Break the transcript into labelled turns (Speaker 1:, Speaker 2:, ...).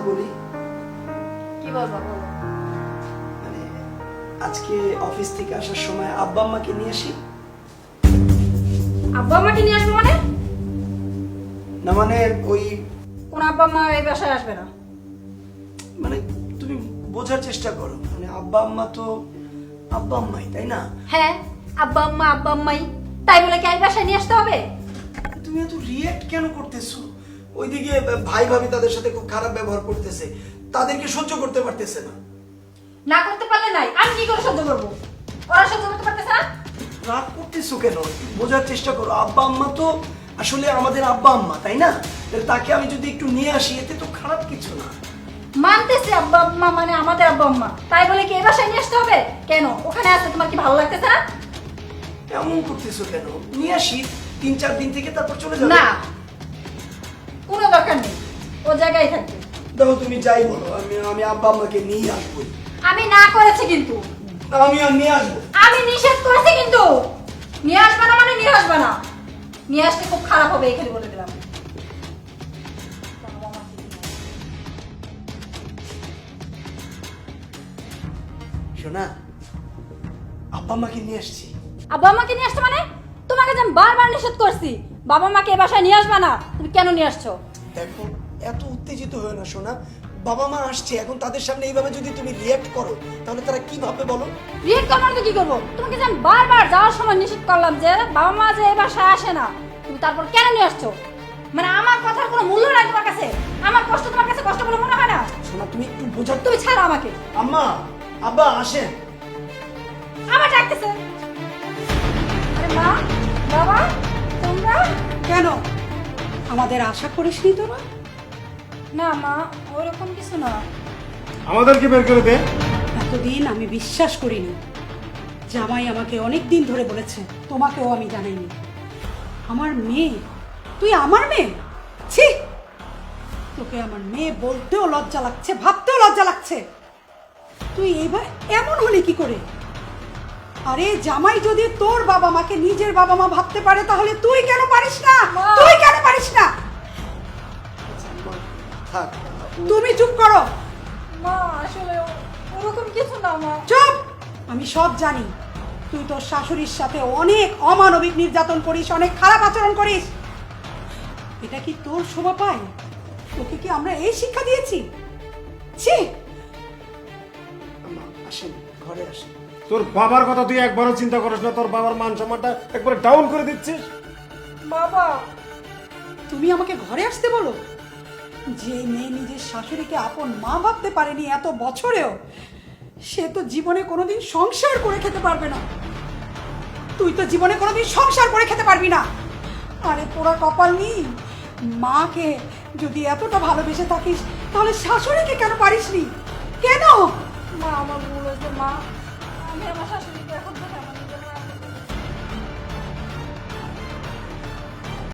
Speaker 1: বলি।
Speaker 2: কি বলবো বলো।
Speaker 1: মানে আজকে অফিস থেকে আসার সময় আব্বা আম্মাকে নিয়ে আসি।
Speaker 2: আব্বা আম্মাকে নিয়ে আসবো মানে?
Speaker 1: না মানে ওই
Speaker 2: কোন আব্বা আম্মা এই বাসায় আসবে না।
Speaker 1: মানে তুমি বোঝার চেষ্টা করো, মানে আব্বা আম্মা তো আব্বা আম্মাই, তাই না?
Speaker 2: হ্যাঁ, আব্বা আম্মাই, তাই বলে কি এই বাসায় নিয়ে আসতে হবে?
Speaker 1: তুমি এত রিয়েক্ট কেন করতেছো? ওইদিকে ভাই ভাবি তাদের সাথে খুব খারাপ ব্যবহার করতেছে, তাদেরকে সহ্য করতে পারতেছে না।
Speaker 2: না করতে পারলে নাই, আমি কি করে সহ্য করবো? ওরা সহ্য করতে পারতেছে না।
Speaker 1: রাগ করতেছো কেন? বোঝার চেষ্টা করো, আব্বা আম্মা তো আসলে আমাদের আব্বা আম্মা, তাই না? তাহলে তাকে আমি যদি একটু নিয়ে আসি এতে তো খারাপ কিছু না।
Speaker 2: মানতেছে আব্বা আম্মা মানে আমাদের আব্বা আম্মা, তাই বলে কি এই বাসায় নিয়ে আসতে হবে? কেন ওখানে আসতে তোমার কি ভালো লাগতেছে না?
Speaker 1: এমন করতেছো কেন? নিয়ে আসি 3-4 দিন থেকে, তারপর চলে যাবে।
Speaker 2: না, কোনো দরকার নেই, ও জায়গায় থাকবে।
Speaker 1: দেখো তুমি যাই বলো, আমি আব্বা আম্মাকে নিয়ে আসবো।
Speaker 2: আমি না করেছি কিন্তু,
Speaker 1: আমি আর নিয়ে আসবো।
Speaker 2: আমি নিষেধ করেছি কিন্তু। নিয়ে আসবে না মানে নিয়ে আসবে না, নিয়ে আসলে খুব খারাপ হবে, এখানে বলে দিলাম।
Speaker 1: শোনা, আব্বা আম্মাকে নিয়ে আসছি।
Speaker 2: আব্বা আম্মাকে নিয়ে আসছো মানে? তোমাকে যে আমি বারবার নিষেধ করছি বাবা মাকে এ বাসায় নিয়ে আসবে না, তুমি কেন নিয়ে আসছো?
Speaker 1: দেখো এত উত্তেজিত হয়ে না শোনা, বাবা মা আসছে, এখন তাদের সামনে এইভাবে যদি তুমি রিয়াক্ট করো তাহলে তারা কি ভাববে বলো?
Speaker 2: রিয়েক্ট করবো না তো কি করবো? তোমাকে যে আমি বারবার যাওয়ার সময় নিষেধ করলাম যে বাবা মা যে এ বাসায় আসে না, তুমি তারপর কেন নিয়ে আসছো? মানে আমার কথার কোনো মূল্য নাই তোমার কাছে? আমার কষ্ট তোমার কাছে কষ্ট বলে মনে হয় না?
Speaker 1: শোনা তুমি একটু বোঝার
Speaker 2: তুমি ছাড়ো আমাকে।
Speaker 1: আম্মা, আব্বা আসেন।
Speaker 2: আমার ডাকতেছে। আরে মা, বাবা, তোমরা
Speaker 3: কেন আমাদের আশা করিসনি তোরা?
Speaker 2: না মা, ওরকম কিছু না।
Speaker 4: আমাদেরকে বের করে দে।
Speaker 3: এতদিন আমি বিশ্বাস করিনি। জামাই আমাকে অনেক দিন ধরে বলেছে, তোমাকেও আমি জানাইনি। আমার মেয়ে, তুই আমার মেয়ে? ছি, তোকে আমার মেয়ে বলতেও লজ্জা লাগছে, ভাবতেও লজ্জা লাগছে। তুই এবার এমন হলি কি করে? আরে জামাই যদি তোর বাবা মাকে নিজের বাবা মা ভাবতে পারে তাহলে তুই কেন পারিস না?
Speaker 2: মা।
Speaker 3: তুই কেন পারিস না?
Speaker 1: থাক।
Speaker 3: তুমি চুপ করো।
Speaker 2: মা আসলে ওরকম কিছু না মা।
Speaker 3: চুপ! আমি সব জানি। তুই তোর শাশুড়ির সাথে অনেক অমানবিক নির্যাতন করিস, অনেক খারাপ আচরণ করিস। এটা কি তোর শোভা পায়? তোকে কি আমরা এই শিক্ষা দিয়েছি? ছি!
Speaker 1: আম্মা আসেন, ঘরে আসেন।
Speaker 4: তোর বাবার কথা তুই একবারও চিন্তা করিস না? তোর বাবার মান সম্মানটা একবারে ডাউন করে দিচ্ছিস।
Speaker 2: বাবা,
Speaker 3: তুমি আমাকে ঘরে আসতে বলো? যে মেয়ে নিজের শাশুড়িকে আপন মা ভাবতে পারেনি এত বছরেও, সে তো জীবনে কোনোদিন সংসার করে খেতে পারবে না। তুই তো জীবনে কোনোদিন সংসার করে খেতে পারবি না। আরে পোড়া কপাল নি, মাকে যদি এতটা ভালোবেসে থাকিস তাহলে শাশুড়িকে কেন পারিসনি? কেন?
Speaker 2: মা আমার ভুল হয়েছে মা। আমি আমার শাশুড়িকে এখন থেকে আমার